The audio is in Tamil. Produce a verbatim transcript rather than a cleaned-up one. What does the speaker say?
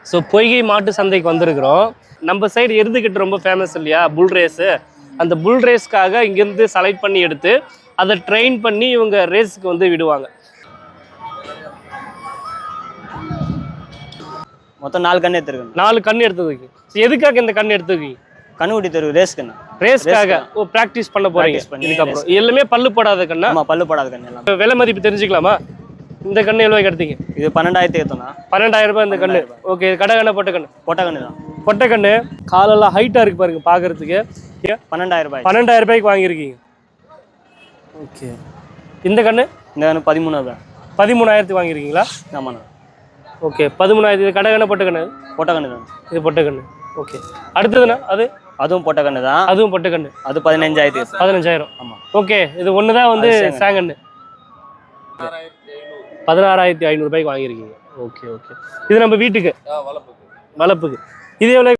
ஸோ பொய்கை மாட்டு சந்தைக்கு வந்திருக்கிறோம். நம்ம சைடு எருதுகிட்ட ரொம்ப ஃபேமஸ் இல்லையா புல் ரேஸு. அந்த புல் ரேஸ்க்காக இங்கேருந்து செலக்ட் பண்ணி எடுத்து அதை ட்ரெயின் பண்ணி இவங்க ரேஸுக்கு வந்து விடுவாங்க. மொத்தம் நாலு கண்ணு எடுத்துருக்கேன். நாலு கண்ணு எடுத்துருக்கீங்க. எதுக்காக இந்த கண்ணு எடுத்துருக்கீங்க? கண்ணுக்குட்டி தெரு ரேஸ் கண்ணு. ரேஸ்க்காக ஓ ப்ராக்டிஸ் பண்ண போறீங்க. இதுக்கப்புறம் எல்லாமே பல்லு போடாத கண்ணா? ஆமாம், பல்லு போடாத கண்ணு எல்லாம். விலை மதிப்பு தெரிஞ்சுக்கலாமா? இந்த கண்ணு எவ்வளோ எடுத்தீங்க? இது பன்னெண்டாயிரத்தி ஏற்றோண்ணா. பன்னெண்டாயிரம் ரூபாய் இந்த கண்ணு. ஓகே, கடை கண்ணை பொட்டை கண்ணு. பொட்டை கண்ணு தான். பொட்டை கண்ணு காலெல்லாம் ஹைட்டாக இருக்கு பாருங்க பார்க்கறதுக்கு. பன்னெண்டாயிரம் ரூபாய். பன்னெண்டாயிரம் ரூபாய்க்கு வாங்கியிருக்கீங்க. ஓகே, இந்த கண்ணு இந்த கண்ணு பதிமூணாயிரம். பதிமூணாயிரத்துக்கு வாங்கியிருக்கீங்களா? ஆமாண்ணா. ஓகே, பதிமூணாயிரத்து. இது கடை கண்ணை பொட்டை கண்ணு. பொட்டை கண்ணு தான். இது பொட்டை கண்ணு. ஓகே, அடுத்ததுண்ணா அது? அதுவும் பொட்டை கண்ணு தான். அதுவும் பொட்டை கண்ணு. அது பதினஞ்சாயிரத்து. பதினஞ்சாயிரம். ஆமாம். ஓகே, இது ஒன்று தான் வந்து சேங்கண்ணு. பதினாறாயிரத்தி ஐநூறு ரூபாய்க்கு வாங்கியிருக்கீங்க. ஓகே ஓகே, இது நம்ம வீட்டுக்கு வளர்ப்புக்கு. இது எவ்வளோ?